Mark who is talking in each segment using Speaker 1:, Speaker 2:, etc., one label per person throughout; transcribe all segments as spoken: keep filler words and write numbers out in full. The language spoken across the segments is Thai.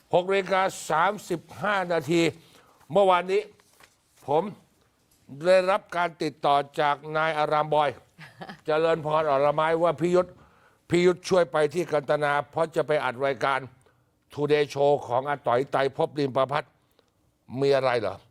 Speaker 1: หกนาฬิกาสามสิบห้านาทีเมื่อวานนี้ผมได้รับการติดต่อจากนายอารามบอย เจริญพรอรไม้ว่าพิยุทธพิยุทธช่วยไปที่กันตนาเพราะจะไปอัดรายการทูเดย์โชว์ของอาต่อยไตรภพริมประพัฒน์มีอะไรเหรอ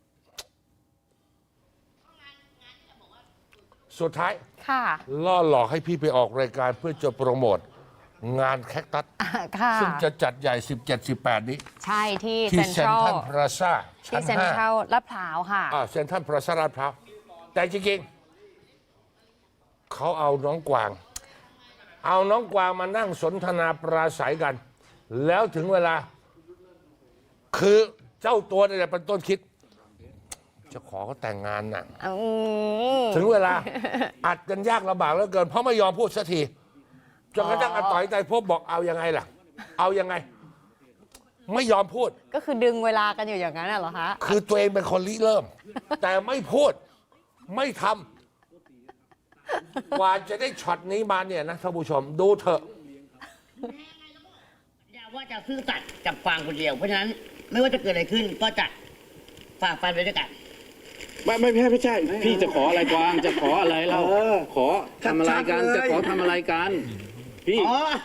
Speaker 1: สุดท้ายล่อหลอกให้พี่ไปออกรายการเพื่อจะโปรโมทงานแคคตัสซึ่งจะจัดใหญ่ สิบเจ็ด สิบแปด นี้
Speaker 2: ใช่ที่
Speaker 1: ที่
Speaker 2: เซ็น
Speaker 1: เซ็
Speaker 2: ท
Speaker 1: น
Speaker 2: รัล
Speaker 1: ทรัลพลาซ่า
Speaker 2: ที่เซ็นทรัลลาดพร้าวค่ะ
Speaker 1: อ่าเซ็นทรัลพลาซ่าลาดพร้าวแต่จริงๆเขาเอาน้องกวาง เอาน้องกวางมานั่งสนทนาปราศัยกัน แล้วถึงเวลา คือเจ้าตัวนี่แหละเป็นต้นคิด จะขอเขาแต่งงานน่ะถึงเวลา อัดกันยากลำบากเหลือเกินเพราะไม่ยอมพูดสักทีจนกระทั่งอาต่อยไตรภพบอกเอายังไงล่ะ เอายังไง ไม่ยอมพูด
Speaker 2: ก็คือดึงเวลากันอยู่อย่างนั้นเหรอคะ
Speaker 1: คือตัวเองเป็นคนริเริ่ม แต่ไม่พูดไม่ทำกว่าจะได้ช็อตนี้มาเนี่ยนะท่านผู้ชมดูเถอะ
Speaker 3: อย่าว่าจะซื่อสัตย์กับฟางคนเดียวเพราะฉะนั้นไม่ว่าจะเกิดอะไรขึ้นก็จะฝ่าฟันไปด้วยกัน
Speaker 4: ไม่ไม่ใช่ไม่ใช่พี่จะขออะไรกวางจะขออะไรเราขอทำอะไรกันจะขอทำอะไรกันพี่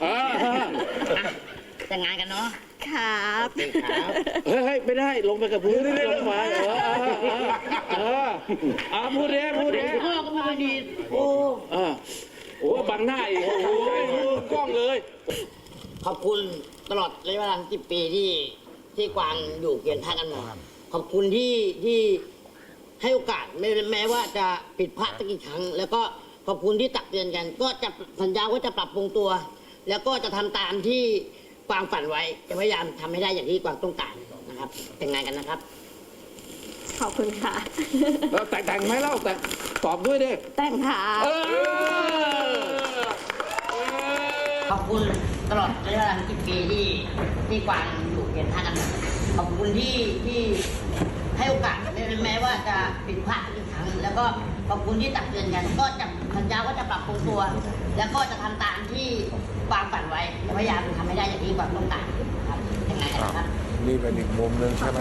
Speaker 3: แต่งงานกันเนาะ
Speaker 2: ครับ
Speaker 4: เฮ้ยไม่ได้ลงไปกับพื้นลงมาเออเออเออพูดเด้พูดเด้
Speaker 3: พ่อก็พูดดีโอ้
Speaker 4: เออโอ้บังหน้าอีกโอ้โหกล้องเลย
Speaker 3: ขอบคุณตลอดระยะเวลาสิบปีที่ที่กวางอยู่เคียงข้างกันมาขอบคุณที่ที่ให้โอกาสแม้แม้ว่าจะผิดพลาดสักกี่ครั้งแล้วก็ขอบคุณที่ตักเตือนกันก็จะสัญญาว่าจะปรับปรุงตัวแล้วก็จะทำตามที่กวางฝันไว้จะพยายามทำให้ได้อย่างที่กวางต้องการนะครับแต่งงานกันนะครับ
Speaker 2: ขอบคุณค่ะ
Speaker 4: แล้วแต่งแต่งไหมเล่าแต่ตอบด้วยดิ
Speaker 2: แต่งค่ะ
Speaker 3: ขอบคุณตลอดระยะเวลาสิบปีที่ที่กวางอยู่เคียงข้างกันขอบคุณที่ที่ให้โอกาสแม้ว่าจะผิดพลาดอีกครั้งแล้วก็ขอบคุณที่ตักเตือนกันก็จะสัญญาว่าจะปรับปรุงตัวแล้วก็จะทำตามที่วางฝันไว้พยายามทำให้ได้อย่างที่วางต้องการครับยังไงกันครับ
Speaker 1: นี่เป็นอีกมุมหนึ่งใช่ไหม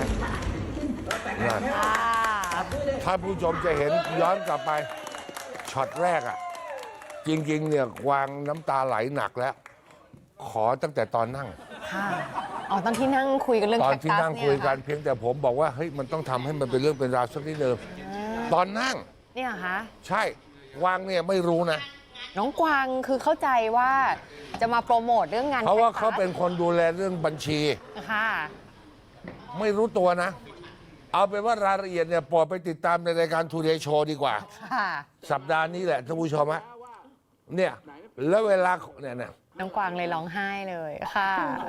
Speaker 1: ถ้าผู้ชมจะเห็นย้อนกลับไปช็อตแรกอ่ะจริงๆเนี่ยวางน้ำตาไหลหนักแล้วขอตั้งแต่ตอนนั่ง
Speaker 2: อ๋อตอนที่นั่งคุยกันเรื่อง
Speaker 1: ตอนที่นั่งคุยกันเพียงแต่ผมบอกว่าเฮ้ยมันต้องทำให้มันเป็นเรื่องเป็นราวสักนิดเดิมตอนนั่ง
Speaker 2: เนี่ยคะ
Speaker 1: ใช่วางเนี่ยไม่รู้นะ
Speaker 2: น้องกวางคือเข้าใจว่าจะมาโปรโมทเรื่องงาน
Speaker 1: เพราะว่าเขาเป็นคนดูแลเรื่องบัญชี
Speaker 2: ค่ะ
Speaker 1: ไม่รู้ตัวนะเอาเป็นว่ารายละเอียดเนี่ยปล่อยไปติดตามในรายการทูเดย์โชว์ดีกว่าสัปดาห์นี้แหละท่านผู้ชมฮะเนี่ยแล้วเวลาเนี่ยเนี่ย
Speaker 2: น้องกวางเลยร้องไห้เลยค่ะ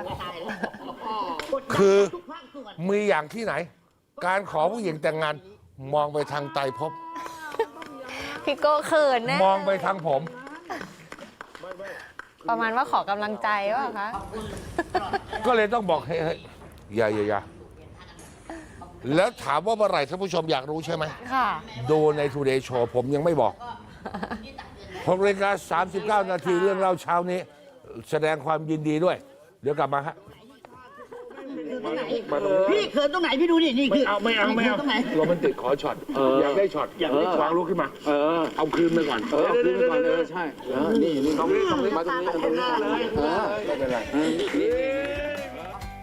Speaker 1: คือมีอย่างที่ไหนการขอผู้หญิงแต่งงานมองไปทางไตรภพ
Speaker 2: พี่โก้เขินนะ
Speaker 1: มองไปทางผม
Speaker 2: ประมาณว่าขอกำลังใจว่าคะ
Speaker 1: ก็เลยต้องบอกให้อย่าอย่าอย่าแล้วถามว่าเมื่อไหร่ท่านผู้ชมอยากรู้ใช่ไหม
Speaker 2: ค่ะ
Speaker 1: ดูในทูเดย์โชว์ผมยังไม่บอกหกนาฬิกาสามสิบเก้านาทีเรื่องเล่าเช้านี้แสดงความยินดีด้วยเดี๋ยวกลับมาฮะ
Speaker 3: พี่เขินตรงไหนพี่ดูนี่นี่คือ
Speaker 1: เอาไม่เอาไม่เอาโรแมนติกขอช็อตอยากได้ช็อตอยากได้วางลุกขึ้นมาเออเอาคืนไปก่อน
Speaker 4: เออเอาคืนไปก่อนเออใช่นี่นี่
Speaker 1: ตรงนี้ตรงนี้
Speaker 4: มาตรงนี้ตรงนี้เลยเออไม่เป็นไร